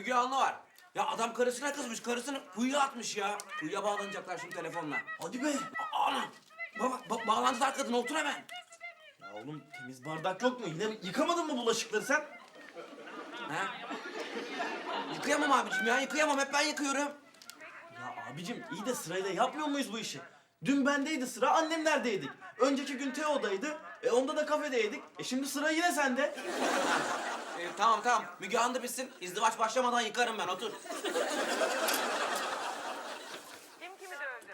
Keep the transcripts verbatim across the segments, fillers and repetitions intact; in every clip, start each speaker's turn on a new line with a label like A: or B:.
A: Müge Anlı var. Ya adam karısına kızmış, karısını kuyuya atmış ya. Kuyuya bağlanacaklar şimdi telefonla.
B: Hadi be.
A: A- Ana! Baba, ba bağlantılar kadın, otur hemen.
B: Ya oğlum temiz bardak yok mu? Yine yıkamadın mı bulaşıkları sen?
A: Ha? Yıkayamam abicim ya, yıkayamam. Hep ben yıkıyorum.
B: Ya abicim iyi de sırayla yapmıyor muyuz bu işi? Dün bendeydi sıra, annemlerdeydik. Önceki gün Teo'daydı. E onda da kafedeydik. E şimdi sıra yine sende.
A: Ee, tamam tamam, Müge Anlı bitsin. İzdivaç başlamadan yıkarım ben, otur.
C: Kim kimi dövdü?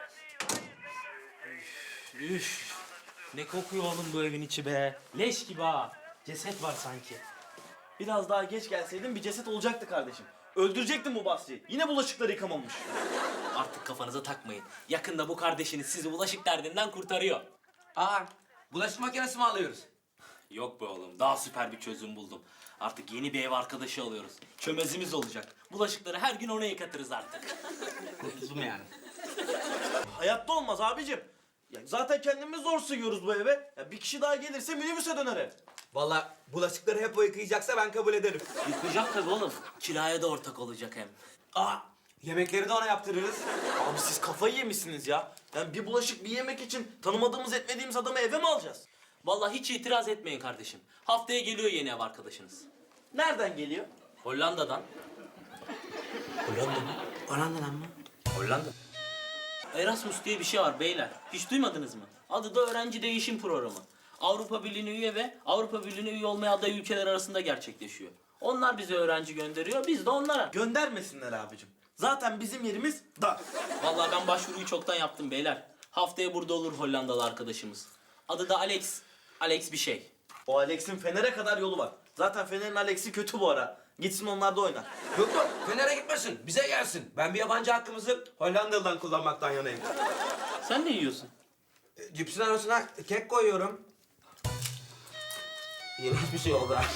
D: Üf. Ne kokuyor oğlum bu evin içi be. Leş gibi ha. Ceset var sanki.
B: Biraz daha geç gelseydin bir ceset olacaktı kardeşim. Öldürecektin bu Basri'yi. Yine bulaşıkları yıkamamış.
D: Artık kafanıza takmayın. Yakında bu kardeşiniz sizi bulaşık derdinden kurtarıyor.
A: Aa, bulaşık makinesi mi alıyoruz?
D: Yok be oğlum, daha süper bir çözüm buldum. Artık yeni bir ev arkadaşı alıyoruz. Çömezimiz olacak. Bulaşıkları her gün ona yıkatırız artık.
A: Kurtuldum yani.
B: Hayatta olmaz abicim. Ya zaten kendimiz zor sığıyoruz bu eve. Ya bir kişi daha gelirse minibüse döner ev.
A: Vallahi bulaşıkları hep o yıkayacaksa ben kabul ederim.
D: Yıkayacak tabii oğlum. Kiraya da ortak olacak hem.
A: Aa, yemekleri de ona yaptırırız.
B: Abi siz kafayı yemişsiniz ya. Yani bir bulaşık bir yemek için tanımadığımız etmediğimiz adamı eve mi alacağız?
D: Vallahi hiç itiraz etmeyin kardeşim. Haftaya geliyor yeni ev arkadaşınız.
B: Nereden geliyor?
D: Hollanda'dan.
A: Hollanda mı? Hollanda'dan mı?
D: Hollanda. Erasmus diye bir şey var beyler. Hiç duymadınız mı? Adı da öğrenci değişim programı. Avrupa Birliği'ne üye ve Avrupa Birliği'ne üye olmaya aday ülkeler arasında gerçekleşiyor. Onlar bize öğrenci gönderiyor, biz de onlara.
B: Göndermesinler abicim. Zaten bizim yerimiz dar.
D: Vallahi ben başvuruyu çoktan yaptım beyler. Haftaya burada olur Hollandalı arkadaşımız. Adı da Alex. Alex bir şey.
B: O Alex'in Fener'e kadar yolu var. Zaten Fener'in Alex'i kötü bu ara. Gitsin onlar da oynar.
A: Yok yok, Fener'e gitmesin, bize gelsin. Ben bir yabancı hakkımızı Hollandalı'dan kullanmaktan yanayım.
D: Sen ne yiyorsun?
A: E, Cipsin arasına kek koyuyorum. İğrenç bir şey oldu ha.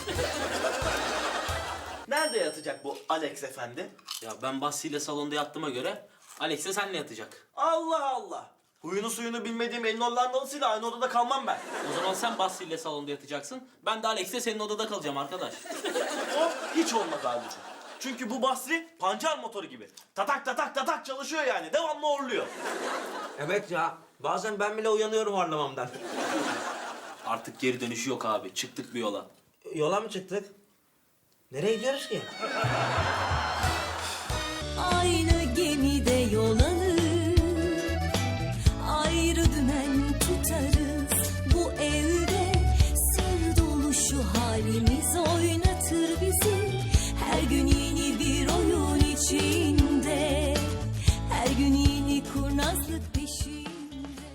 B: Nerede yatacak bu Alex efendi?
D: Ya ben Basri ile salonda yattığıma göre Alex de seninle yatacak.
B: Allah Allah. Huyunu suyunu bilmediğim elin Hollandalısıyla aynı odada kalmam ben.
D: O zaman sen Basri ile salonda yatacaksın. Ben de Alex'le senin odada kalacağım arkadaş.
B: O hiç olmaz abicim. Çünkü bu Basri pancar motoru gibi. Tatak tatak tatak çalışıyor yani. Devamlı horluyor.
A: Evet ya, bazen ben bile uyanıyorum horlamamdan.
D: Artık geri dönüşü yok abi. Çıktık bir yola.
A: Yola mı çıktık? Nereye gidiyoruz ki?
E: Aynı gemide yol alır, ayrı dümen tutarız. Bu evde sır dolu şu halimiz oynatır bizi. Her gün yeni bir oyun içinde, her gün yeni kurnazlık.